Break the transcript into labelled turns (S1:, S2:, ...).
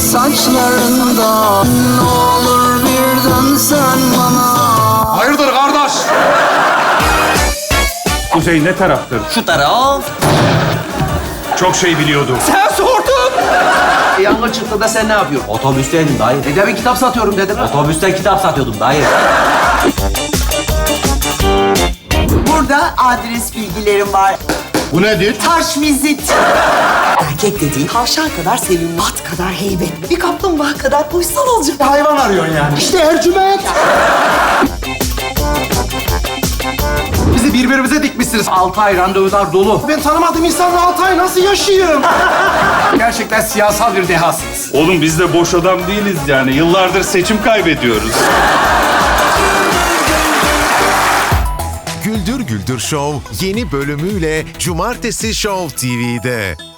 S1: saçlarında. Ne olur bir dönsen bana.
S2: Hayırdır kardeş?
S3: Kuzey ne taraftır?
S4: Şu taraf.
S3: Çok şey biliyordu.
S2: Sen sordun.
S4: Yangın çıktı da sen ne yapıyorsun?
S5: Otobüsteydim dayı.
S4: Dedemin kitap satıyorum dedim.
S5: Otobüste kitap satıyordum dayı.
S6: Burada adres bilgilerim var.
S2: Bu nedir?
S6: Taş vizit. Erkek dediğin tavşan kadar sevimli, at kadar heybetli, bir kaplumbağa kadar uysal olacak.
S2: Hayvan arıyorsun yani. İşte Ercüment. Bizi birbirimize dikmişsiniz.
S4: 6 ay randevular dolu.
S2: Ben tanımadığım insanla 6 ay nasıl yaşayayım? Gerçekten siyasal bir dehasınız.
S3: Oğlum biz de boş adam değiliz yani. Yıllardır seçim kaybediyoruz.
S7: Güldür Güldür Show yeni bölümüyle Cumartesi Show TV'de.